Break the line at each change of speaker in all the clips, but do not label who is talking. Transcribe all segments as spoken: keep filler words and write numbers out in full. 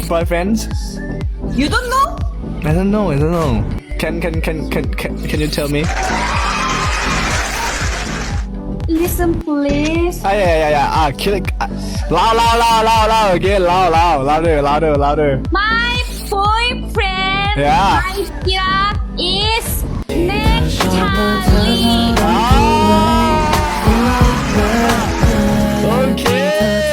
boyfriends?
You don't know?
I don't know. I don't know. Can can can can can, can you tell me?
Listen, please.
Ah yeah yeah yeah. Ah kill it. Ah, loud loud loud loud loud again. Loud loud louder louder louder.
My boyfriend,
Yeah.
my dear, is next Charlie.
Ah. Okay.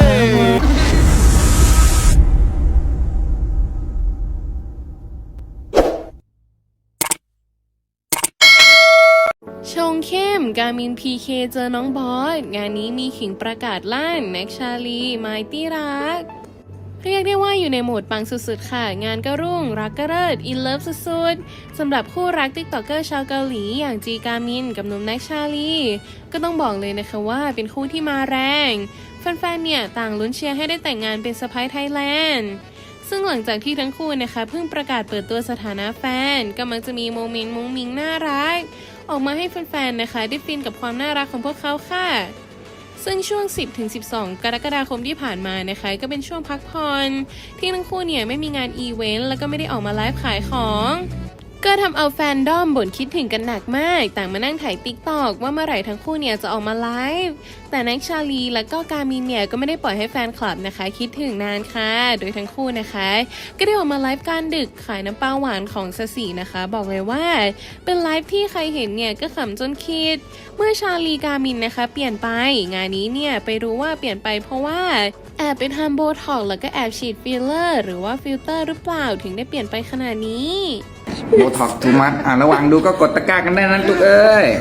ชงเข้มกามินพีเคเจอน้องบอสงานนี้มีขิงประกาศลั่นแน็กชาลีไมตี้รักเรียกได้ว่าอยู่ในโหมดปังสุดๆค่ะงานก็รุ่งรักก็เลิศอินเลิฟสุดๆสำหรับคู่รักติ๊กต็อกเกอร์ชาวเกาหลีอย่างจีกามินกับหนุ่มแน็กชาลีก็ต้องบอกเลยนะคะว่าเป็นคู่ที่มาแรงแฟนๆเนี่ยต่างลุ้นเชียร์ให้ได้แต่งงานเป็นสะใภ้ไทยแลนด์ซึ่งหลังจากที่ทั้งคู่นะคะเพิ่งประกาศเปิดตัวสถานะแฟนก็มักจะมีโมเมนต์มุ้งมิ้งน่ารักออกมาให้แฟนๆนะคะได้ฟินกับความน่ารักของพวกเขาค่ะซึ่งช่วง สิบถึงสิบสอง กรกฎาคมที่ผ่านมานะคะก็เป็นช่วงพักผ่อนที่ทั้งคู่เนี่ยไม่มีงานอีเวนต์แล้วก็ไม่ได้ออกมาไลฟ์ขายของก็ทำเอาแฟนดอมบ่นคิดถึงกันหนักมากต่างมานั่งถ่ายติ๊กตอกว่าเมื่อไหร่ทั้งคู่เนี่ยจะออกมาไลฟ์แต่แน็กชาลีและก็กามินเนี่ยก็ไม่ได้ปล่อยให้แฟนคลับนะคะคิดถึงนานค่ะโดยทั้งคู่นะคะก็ได้ออกมาไลฟ์กลางดึกขายน้ำปลาหวานของซาสีนะคะบอกเลยว่าเป็นไลฟ์ที่ใครเห็นเนี่ยก็ขำจนคิดเมื่อชาลีกามินนะคะเปลี่ยนไปงานนี้เนี่ยไปรู้ว่าเปลี่ยนไปเพราะว่าแอบไปทำโบท็อกซ์แล้วก็แอบฉีดฟิลเลอร์หรือว่าฟิลเตอร์หรือเปล่าถึงได้เปลี่ยนไปขนาดนี้
โบท็อกทูมัสอ่ะระวังดูก็กดตะกร้ากันได้นะทุกเอ้ย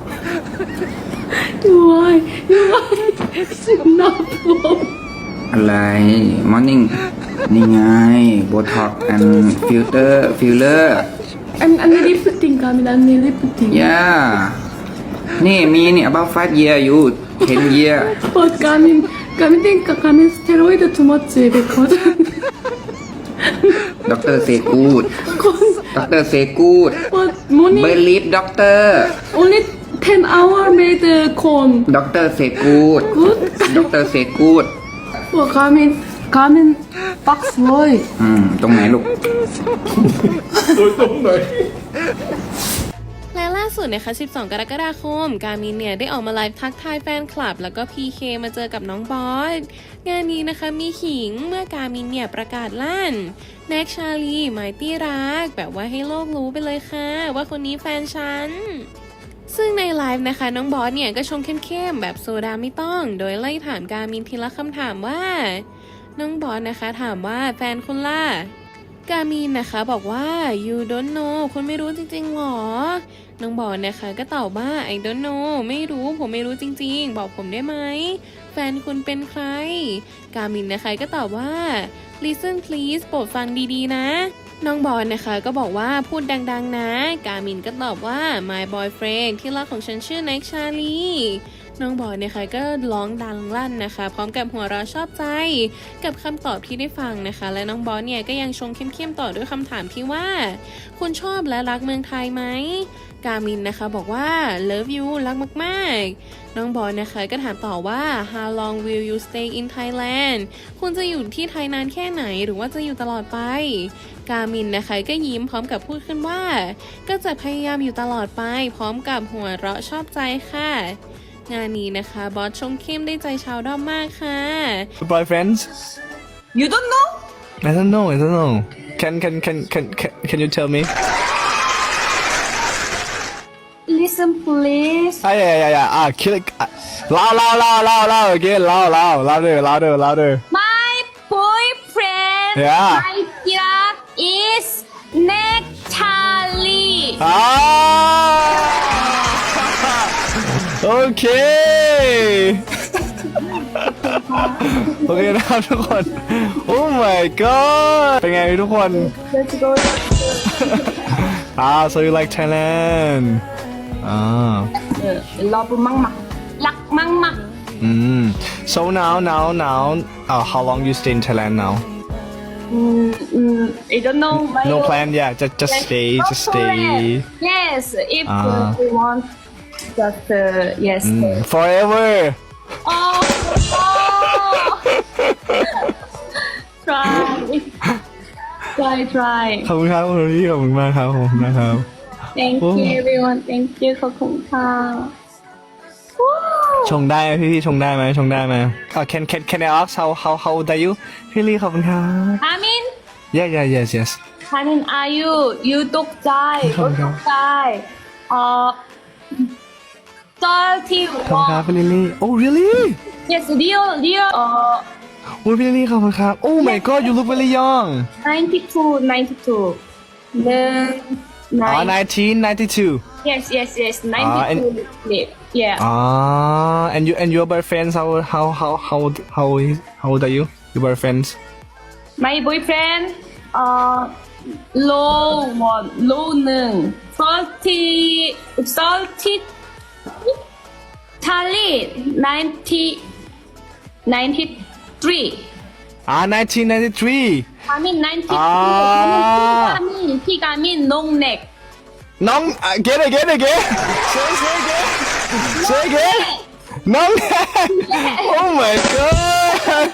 Why? Why? It's not wrong.
อะไรมอร์นิ่งนี่ไงโบท็อกแอนฟิลเตอร์ฟิลเลอร์
I'm I'm lifting, Gamin. I'm lifting.
ย่านี่มีนี่ about five year อยู่ ten year
But Gamin, Gamin think Gamin steroid too much because
ด็อกเตอร์เซกูดด็อกเตอร์เซกูด
but morning
เบลีฟด็อกเตอร์
only ten hour made uh, corn.
ด็อกเตอร์เซกูด
Good.
ด็อกเตอร์เซกูด
Oh, Gamin, Gamin, box boy.
อืมตรงไหนลูก
และล่าสุดนะคะสิบสอง กรกฎาคมกามินเนี่ยได้ออกมาไลฟ์ทักทายแฟนคลับแล้วก็ พี เค มาเจอกับน้องบอสงานนี้นะคะมีขิงเมื่อกามินเนี่ยประกาศลั่นแน็กชาลีไมตี้รักแบบว่าให้โลกรู้ไปเลยค่ะว่าคนนี้แฟนฉันซึ่งในไลฟ์นะคะน้องบอสเนี่ยก็ชงเข้มๆแบบโซดาไม่ต้องโดยไล่ถามกามินทีละคำถามว่าน้องบอสนะคะถามว่าแฟนคุณล่ะกามินนะคะบอกว่า you don't know คุณไม่รู้จริงๆหรอน้องบอสนะคะก็ตอบว่า I don't know ไม่รู้ผมไม่รู้จริงๆบอกผมได้ไหมแฟนคุณเป็นใครกามินนะคะก็ตอบว่า listen please โปรดฟังดีๆนะน้องบอสนะคะก็บอกว่าพูดดังๆนะกามินก็ตอบว่า my boyfriend ที่รักของฉันชื่อแน็กชาลีน้องบอสนะคะก็ร้องดังลั่นนะคะพร้อมกับหัวเราะชอบใจกับคำตอบที่ได้ฟังนะคะและน้องบอสเนี่ยก็ยังชงเข้มๆต่อด้วยคำถามที่ว่าคุณชอบและรักเมืองไทยไหมกามินนะคะบอกว่า love you รักมากๆน้องบอสนะคะก็ถามต่อว่า how long will you stay in Thailand คุณจะอยู่ที่ไทยนานแค่ไหนหรือว่าจะอยู่ตลอดไปกามินนะคะก็ยิ้มพร้อมกับพูดขึ้นว่าก็จะพยายามอยู่ตลอดไปพร้อมกับหัวเราะชอบใจค่ะงานนี้นะคะบอสชงเข้มได้ใจชาวด้อมมากค่ะ
Boyfriends?
You don't know?
I don't know. I don't know. Can can can can can, can you tell me?
Listen, please.
Ah yeah yeah yeah. Ah kill it. Ah, loud loud loud loud loud again. Loud loud louder louder louder.
My boyfriend,
Yeah.
my dear, is next Charlie.
อ่าโอเค โอเคนะครับทุกคน โอ้ my god เป็นไงทุกคน
Let's go.
อ่า so you like Thailand อ่า
Love mama. Luck mama.
อืม so now now now uh, how long you stay in Thailand now
Mm, mm, I don't know. My
no plan yeah just just stay just stay
Yes, if
Ah.
uh, you want, just uh, yes.
Mm, forever
Oh, oh. Try. try try
ขอบคุณครับคุณพี่ขอบคุณมากครับผมนะครับ
thank you everyone thank you ขอบคุณค่ะ
ชงได้ไหมพี่พี่ชงได้ไหมชงได้ไหมอ่า can can can I ask how how how old are you พี่ลี่ขอบคุณครับ
Amin
yeah yeah yes yes
Amin are you you ตกใจ
ขอบคุณครับ
ตกใจเอ่อ thirty
ขอบคุณครับพี่ลิลลี่ oh really
yes real real เอ่อ
โอ้ยพี่ลิลลี่ขอบคุณครับ oh my god you look very young
ninety-two ninety-two หนึ่ง
อ๋อ
nine
nineteen ninety-two
yes yes yes
Ah, and-
ninety-two yeah
ah and you and your boyfriends how how how how how is how old are you your boyfriends
my boyfriend เอ่อ low one low หนึ่ง thirty thirty Charlie ninety ninety-three
ah nineteen ninety-three
I mean ninety-three
อ่า
I mean พี่กามินน้องเน็ก
น้อง again again again say say again say again น้อง oh my god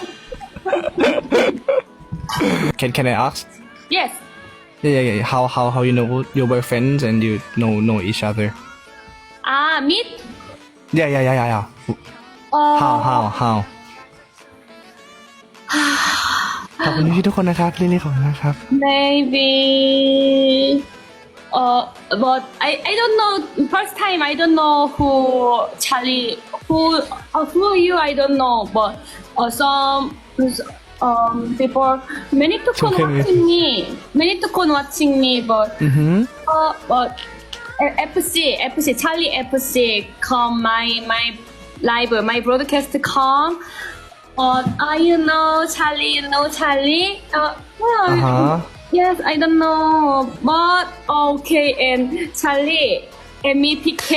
can can I ask
yes
yeah yeah yeah how how how you know your boyfriends and you know know each other
อ่ามิด
yeah yeah yeah yeah yeah
เอ่อ
how how how ขอบคุณพี่ทุกคนนะครับพี่ลี่ขอบคุณนะครับ
maybe uh but I I don't know first time I don't know who Charlie who uh, who are you I don't know but uh, some um people many to con
Okay.
watching me many to con watching me but
อือหือ
uh but F C F C Charlie F C come my my live my broadcast come uh I you know Charlie you know Charlie uh well,
อ่าฮะ
yes I don't know but okay and Charlie and me P K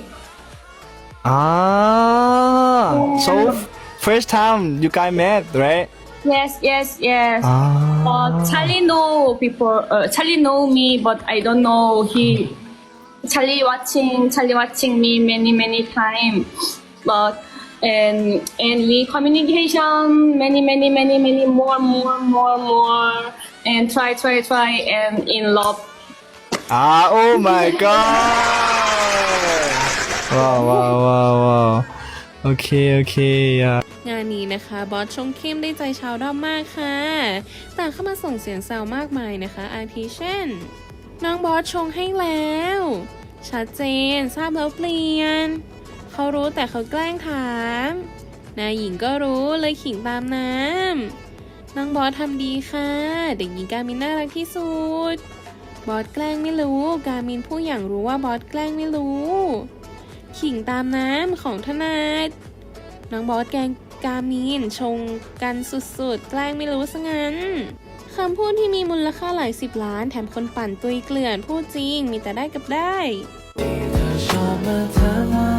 ah so first time you guys met right
yes yes yes
ah
uh Charlie know people uh, Charlie know me but I don't know he Charlie watching Charlie watching me many many time but and and we communication many many many many more more more more and try try try and in love
ah oh my god ว้าวว้าวว้าวว้าวโอเคโอเคอ่ะ
งานนี้นะคะบอสชงเข้มได้ใจชาวด้อมมากค่ะต่างเข้ามาส่งเสียงแซวมากมายนะคะอาทิเช่นน้องบอสชงให้แล้ว ชัดเจนทราบแล้วเปลี่ยนเขารู้แต่เขาแกล้งถามนายหญิงก็รู้เลยขิงตามน้ำน้องบอสทำดีค่ะเด็กหญิงกามินน่ารักที่สุดบอสแกล้งไม่รู้กามินผู้อย่างรู้ว่าบอสแกล้งไม่รู้ขิงตามน้ำของถนัดน้องบอสแกล้งกามินชงกันสุดๆแกล้งไม่รู้ซะงั้นคำพูดที่มีมูลค่าหลายสิบล้านแถมคนปั่นตุยเกลื่อนพูดจริงมีแต่ได้กับได้
ที่เธอชอบมาถามว่า